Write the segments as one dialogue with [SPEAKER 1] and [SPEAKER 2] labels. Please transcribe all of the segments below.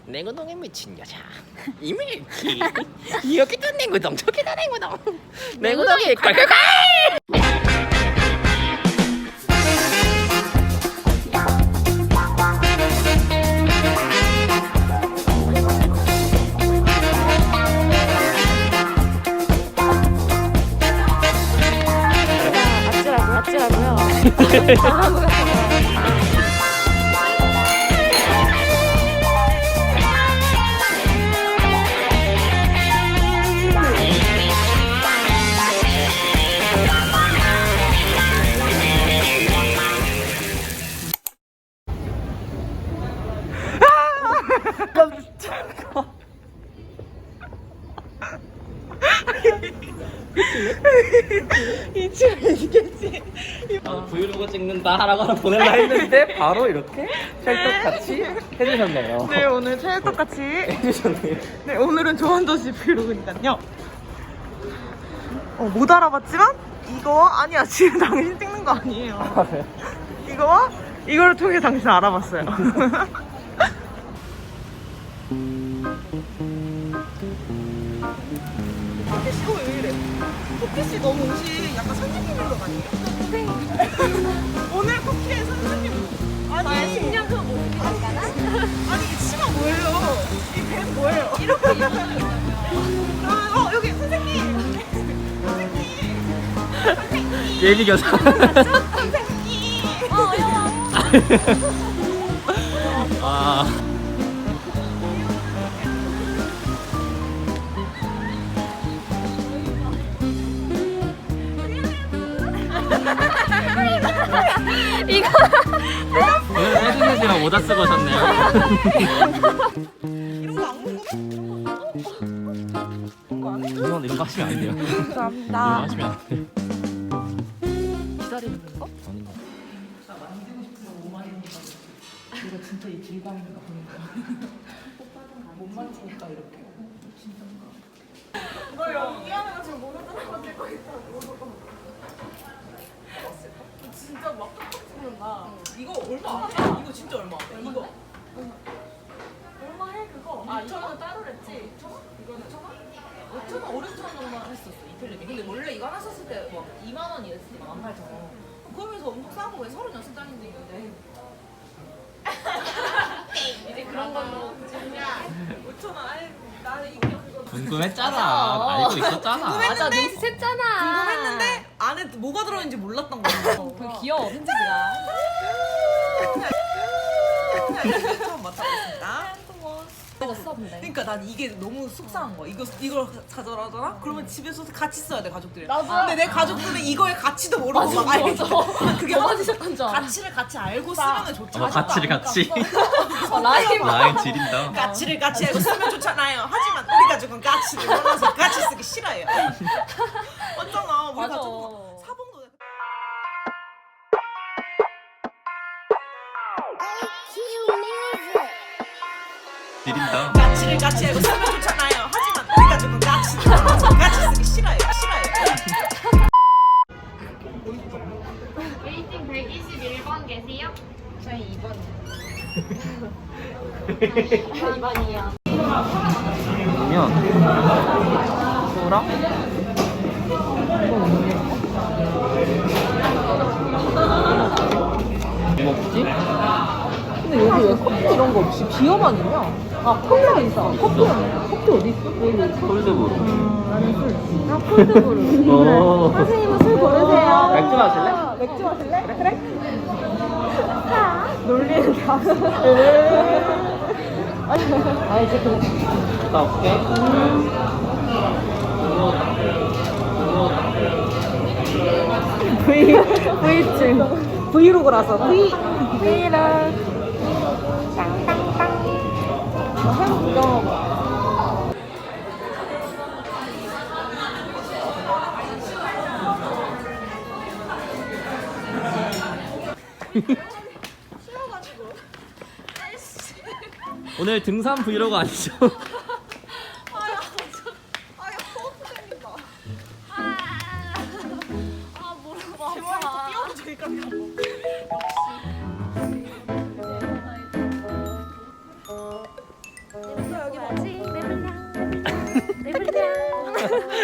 [SPEAKER 1] 냉우동에 미친 여자 이밀키. 여기도 냉우동 저기도 냉우동. 냉우동이 콸콸콸.
[SPEAKER 2] 아찔하고요.
[SPEAKER 1] 브이로그 찍는다 라고 하나 보낼라 했는데 바로 이렇게 찰떡같이 해주셨네요.
[SPEAKER 3] 네, 오늘 찰떡같이
[SPEAKER 1] 해주셨네요.
[SPEAKER 3] 네, 오늘은 조원도시 브이로그니까요. 못 알아봤지만 이거 아니야. 지금 당신 찍는 거 아니에요.
[SPEAKER 1] 네.
[SPEAKER 3] 이거를 통해 당신 알아봤어요. 호피씨 왜 이래? 호피씨 너무 옷이 약간 선생님인 것 아니에요? 네. 오늘 쿠키의 선생님. 아니 10년 후 모습이랄까나? 아니 이 치마 뭐예요? 이 뱀 뭐예요? 이렇게 여기 선생님.
[SPEAKER 1] 예비 교사.
[SPEAKER 3] 선생님.
[SPEAKER 1] 아.
[SPEAKER 2] 이거
[SPEAKER 1] 오늘 해주시지만 모자 쓰고 오셨네요.
[SPEAKER 3] 이런 거 안 궁금해?
[SPEAKER 1] 이런 거 하시면 안 돼요. 이런 거
[SPEAKER 3] 감사합니다.
[SPEAKER 1] 하시면 안 돼요.
[SPEAKER 3] 기다리는 거?
[SPEAKER 1] 아닌가?
[SPEAKER 3] 이거 진짜 이 길바인가 보니까 못 만지니까 이렇게 진짜인가? 너 연기하는 거 지금 모르는 사람 들고 있어. 진짜 막 톡톡 찍는다. 이거 얼마 안 해? 이거 진짜 얼마 안 해? 이거 얼마 해 그거? 2,000원 따로랬지? 5,000원? 이거는 1,000원? 5,000원, 5,000원 정도 했었어 이틀리게. 근데 원래 이거 하나 샀을 때 막 2만 원 이랬으니까 18,000원. 그러면서 엄청 싸고 왜 36장인데 있는데 이제 그런 걸로 5,000원 아예 나는 이거 그거
[SPEAKER 1] 궁금했잖아. 알고 있었잖아.
[SPEAKER 2] 맞아 눈치 챘잖아.
[SPEAKER 3] 궁금했는데 안에 뭐가 들어있는지 몰랐던 거야.
[SPEAKER 2] 되게 귀여워 편집이라.
[SPEAKER 3] 처음 맡아봤습니다.
[SPEAKER 2] 먹었어 근데.
[SPEAKER 3] 그러니까 난 이게 너무 속상한 거야. 이걸 가져가잖아? 그러면 집에서 같이 써야 돼 가족들이.
[SPEAKER 2] 나도.
[SPEAKER 3] 근데 내 가족들은 이거의 가치도 모르고
[SPEAKER 2] 맞아,
[SPEAKER 3] 막 알지.
[SPEAKER 2] 맞아.
[SPEAKER 3] 그게
[SPEAKER 2] 더 맞으셨던 줄 알아.
[SPEAKER 3] 가치를 같이 알고 쓰면 좋지.
[SPEAKER 1] 가치를 같이.
[SPEAKER 2] 라임.
[SPEAKER 1] 라인 지린다.
[SPEAKER 3] 가치를 같이 알고 쓰면 좋잖아요. 하지만 우리 가족은 가치를 몰라서 같이 쓰기 싫어요. 맞잖아. 우리
[SPEAKER 2] 맞아.
[SPEAKER 3] 가족 사봉도.
[SPEAKER 1] 지린다.
[SPEAKER 3] 가치를 같이 알고 쓰면 좋잖아요. 하지만 우리 가족은 가치를 몰라서 같이 쓰기 싫어요.
[SPEAKER 4] 웨이팅 121번 계세요?
[SPEAKER 2] 저희 2번이요.
[SPEAKER 1] 그러면 소랑 뭐 먹지?
[SPEAKER 3] 근데 여기 왜 커피 이런 거 없이 비어만 있냐? 아 콜라 있어. 커피 어디 있어? 여기.
[SPEAKER 1] 콜드브루.
[SPEAKER 3] 나는 술. 나 콜드브루.
[SPEAKER 1] 오.
[SPEAKER 3] 선생님은 술 고르세요.
[SPEAKER 1] 맥주 마실래?
[SPEAKER 3] 맥주 마실래? 그래? 놀리는 다. 아 이제 그래.
[SPEAKER 1] 갔다 올게.
[SPEAKER 3] V증. 브이로그라서 브이로그. 땅땅땅. 해볼까?
[SPEAKER 1] 오늘 등산 브이로그 아니죠?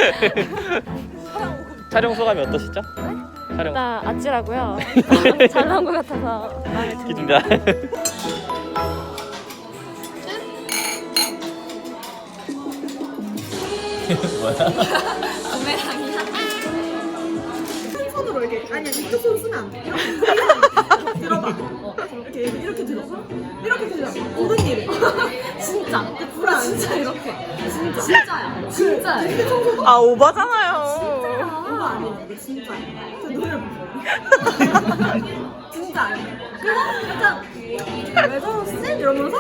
[SPEAKER 1] 촬영 소감이 어떠시죠? 촬영
[SPEAKER 2] 일단 아찔하고요. 잘 나온 것 같아서 마음에 듭니다.
[SPEAKER 1] 기준다. 뭐야?
[SPEAKER 3] 손으로 이렇게 아니 이쪽 손 쓰면 안 돼. 이렇게 들어봐. 이렇게 들어서 이렇게 들어. 엉덩이를.
[SPEAKER 2] 진짜.
[SPEAKER 3] 불안.
[SPEAKER 2] 진짜 이렇게. 진짜야. 진짜야.
[SPEAKER 3] 아 오바잖아요. 오바 아니에요. 이거 진짜. 저 노래 불러요. 진짜 아니에요. 그래서 약간 왜 저러지? 이러면서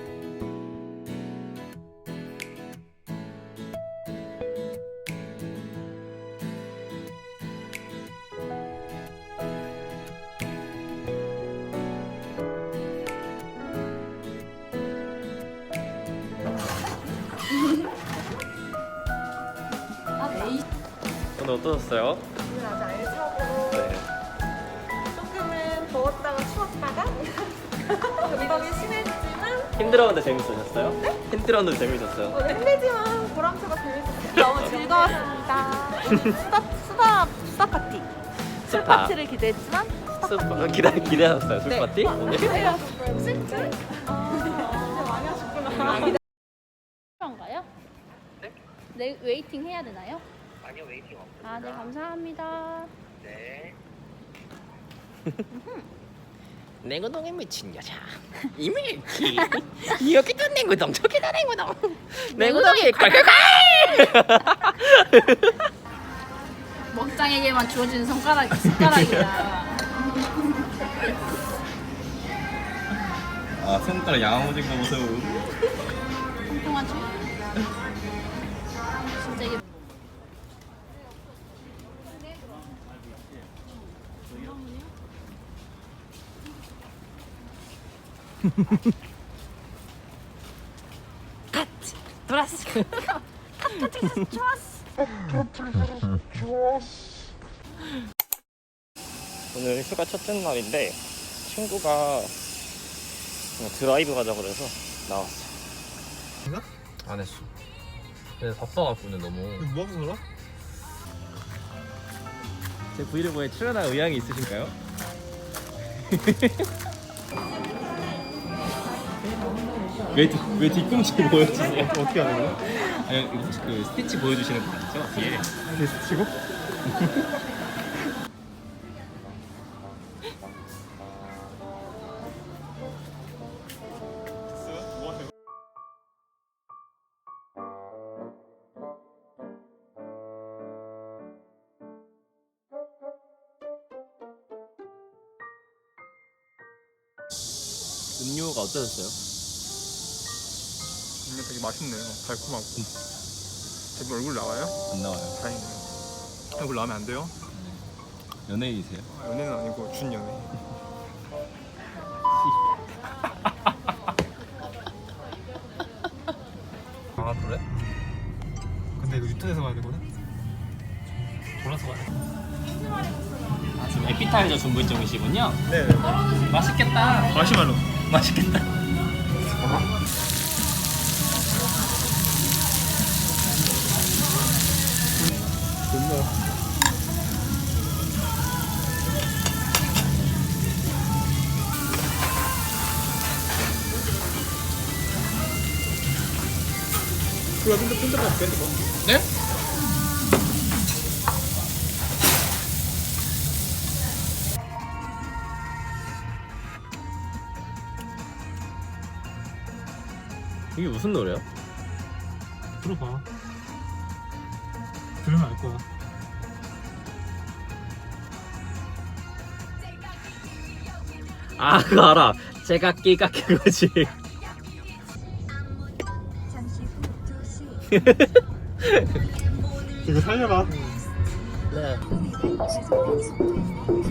[SPEAKER 1] 오늘 어떠셨어요?
[SPEAKER 3] 오늘 아주 알차고
[SPEAKER 1] 네.
[SPEAKER 3] 조금은 더웠다가 추웠다가 감각이 심해지지만
[SPEAKER 1] 힘들었는데 재밌으셨어요? 네? 힘들었는데 재밌었어요.
[SPEAKER 3] 힘들지만 보람차가 재밌었어요. 너무 즐거웠습니다. 수다 파티. 술
[SPEAKER 1] 스파.
[SPEAKER 3] 파티를 기대했지만
[SPEAKER 1] 스파 기대하셨어요? 술
[SPEAKER 3] 네.
[SPEAKER 1] 파티? 오늘?
[SPEAKER 3] 진짜? 많이 하셨구나.
[SPEAKER 2] 필요한가요? 네, 웨이팅 해야 되나요?
[SPEAKER 1] 아니요, 웨이팅 없어요.
[SPEAKER 2] 아, 네, 감사합니다.
[SPEAKER 1] 네. 내구동에 미친 여자 이밀키 여기도 내구동 저기도 내구동 내구동이 콸콸콸.
[SPEAKER 2] 먹장에게만 주어지는 숟가락이야.
[SPEAKER 1] 아 손가락 양아무진 거 보세요.
[SPEAKER 2] 통통하지? 진짜 이게 돌았어.
[SPEAKER 1] 오늘 휴가 첫째 날인데 친구가 드라이브 가자고 그래서 나왔어.
[SPEAKER 5] 안 했어. 근데 바빠갖고 오늘 너무.
[SPEAKER 6] 뭐 하고 놀아?
[SPEAKER 1] 제 브이로그에 출연할 의향이 있으신가요? 왜 뒤꿈치 보여주세요?
[SPEAKER 6] 어떻게 하는 거야?
[SPEAKER 1] 아니 이거 혹시 그 스티치 보여주시는 거 맞죠? 뒤에
[SPEAKER 6] 게스트 치고?
[SPEAKER 1] 음료가 어떠셨어요?
[SPEAKER 6] 이게 되게 맛있네요. 달콤하고. 제 얼굴 나와요?
[SPEAKER 1] 안 나와요.
[SPEAKER 6] 다행이네요. 얼굴 나오면 안 돼요?
[SPEAKER 1] 연예인이세요?
[SPEAKER 6] 연예는 아니고 준 연예.
[SPEAKER 5] 아 그래?
[SPEAKER 6] 근데 이거 유턴해서 가야 되거든?
[SPEAKER 5] 돌아서 가야 돼.
[SPEAKER 1] 아 지금 에피타이저 준비 중이시군요?
[SPEAKER 6] 네.
[SPEAKER 1] 맛있겠다.
[SPEAKER 6] 마시멜로.
[SPEAKER 1] 맛있겠다.
[SPEAKER 6] 존나. 그거 끈적 할게.
[SPEAKER 5] 네?
[SPEAKER 1] 이게 무슨 노래야?
[SPEAKER 6] 들어봐. 들으면 알 거야.
[SPEAKER 1] 아 그거 알아. 제가 끼가 그거지.
[SPEAKER 6] 이거 살려봐.
[SPEAKER 1] 네.